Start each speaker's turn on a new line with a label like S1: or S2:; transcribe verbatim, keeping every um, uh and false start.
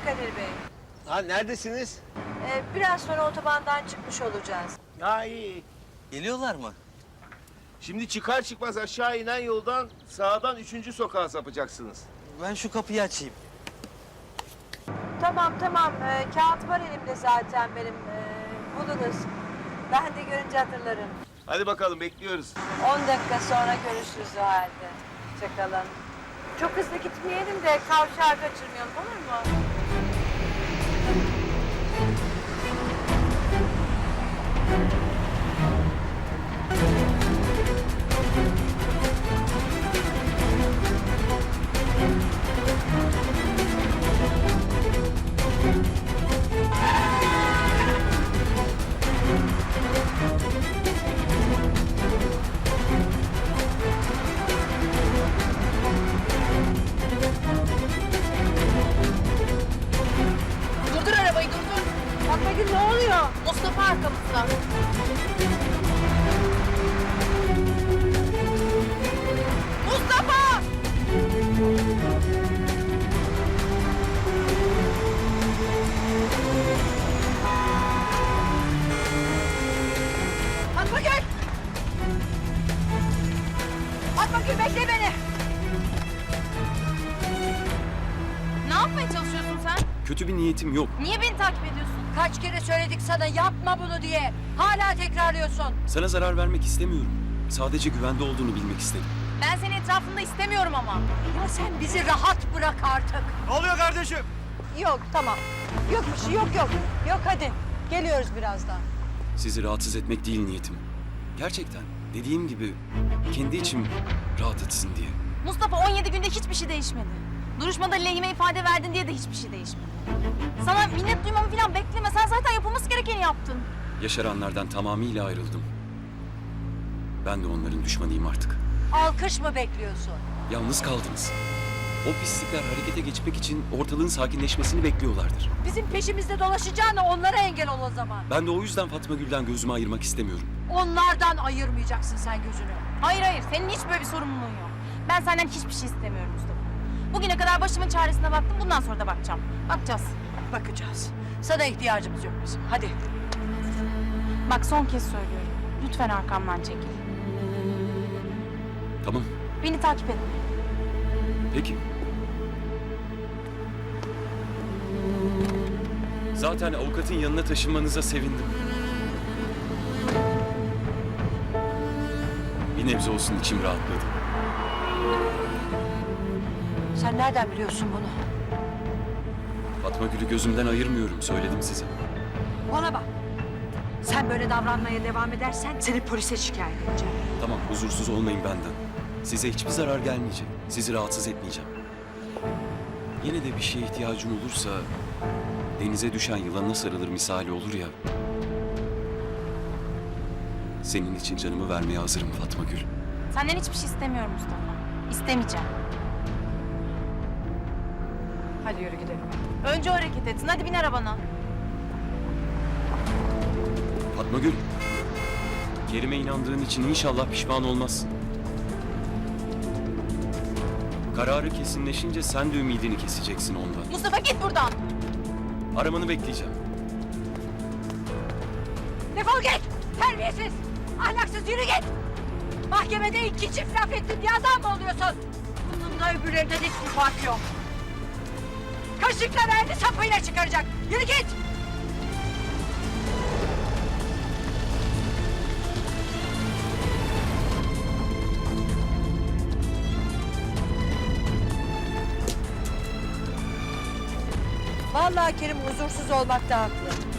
S1: Kadir Bey.
S2: Ha neredesiniz?
S1: Ee, biraz sonra otobandan çıkmış olacağız.
S2: Ha iyi.
S3: Geliyorlar mı?
S2: Şimdi çıkar çıkmaz aşağı inen yoldan sağdan üçüncü sokağa sapacaksınız.
S3: Ben şu kapıyı açayım.
S1: Tamam tamam. Ee, kağıt var elimde zaten benim. Ee, buluruz. Ben de görünce hatırlarım.
S2: Hadi bakalım bekliyoruz.
S1: On dakika sonra görüşürüz o halde. Hoşçakalın. Çok hızlı gitmeyelim de kavşağı kaçırmayalım, olur mu?
S4: Durdur arabayı, durdur.
S1: Fatma Gül ne oluyor?
S4: Mustafa arkamızda. Mustafa!
S1: Fatma Gül! Fatma Gül bekle beni!
S4: Ne yapmaya çalışıyorsun sen?
S5: Kötü bir niyetim yok.
S4: Niye beni takip ediyorsun?
S1: Kaç kere söyledik sana yapma bunu diye. Hala tekrarlıyorsun.
S5: Sana zarar vermek istemiyorum. Sadece güvende olduğunu bilmek istedim.
S4: Ben seni etrafında istemiyorum ama.
S1: Ya sen bizi rahat bırak artık.
S3: Ne oluyor kardeşim?
S1: Yok tamam. Yok bir şey yok yok. Yok hadi. Geliyoruz birazdan.
S5: Sizi rahatsız etmek değil niyetim. Gerçekten dediğim gibi kendi içim rahat etsin diye.
S4: Mustafa on yedi günde hiçbir şey değişmedi. Duruşmada lehime ifade verdin diye de hiçbir şey değişmedi. Sana minnet duymamı falan bekleme. Sen zaten yapılması gerekeni yaptın.
S5: Yaşaranlardan tamamıyla ayrıldım. Ben de onların düşmanıyım artık.
S1: Alkış mı bekliyorsun?
S5: Yalnız kaldınız. O pislikler harekete geçmek için ortalığın sakinleşmesini bekliyorlardır.
S1: Bizim peşimizde dolaşacağına onlara engel ol o zaman.
S5: Ben de o yüzden Fatma Gül'den gözümü ayırmak istemiyorum.
S1: Onlardan ayırmayacaksın sen gözünü.
S4: Hayır hayır. Senin hiç böyle bir sorumluluğun yok. Ben senden hiçbir şey istemiyorum Mustafa. Bugüne kadar başımın çaresine baktım. Bundan sonra da bakacağım. Bakacağız.
S1: Bakacağız. Sana ihtiyacımız yok bizim. Hadi.
S4: Bak son kez söylüyorum. Lütfen arkamdan çekil.
S5: Tamam,
S4: Beni takip et.
S5: peki. Zaten avukatın yanına taşınmanıza sevindim. Bir nebze olsun içim rahatladı.
S1: Sen nereden biliyorsun bunu?
S5: Fatma Gül'ü gözümden ayırmıyorum, söyledim size.
S1: Bana bak. Sen böyle davranmaya devam edersen seni polise şikayet edeceğim.
S5: Tamam, huzursuz olmayın benden. Size hiçbir zarar gelmeyecek. Sizi rahatsız etmeyeceğim. Yine de bir şeye ihtiyacım olursa... denize düşen yılana sarılır misali olur ya... senin için canımı vermeye hazırım Fatma Gül.
S4: Senden hiçbir şey istemiyorum Mustafa. İstemeyeceğim.
S1: Hadi yürü gidelim.
S4: Önce o hareket etsin. Hadi bin arabana.
S5: Fatma Gül, Kerim'e inandığın için inşallah pişman olmazsın. Kararı kesinleşince sen de ümidini keseceksin ondan.
S4: Mustafa git buradan.
S5: Aramanı bekleyeceğim.
S1: Defol git! Terbiyesiz! Ahlaksız yürü git! Mahkemede iki çift laf ettin diye adam mı oluyorsun? Bunun da öbürlerinden hiçbir fark yok. Kaşıkla verdi sapıyla çıkaracak. Yürü git! Vallahi Kerim huzursuz olmakta haklı.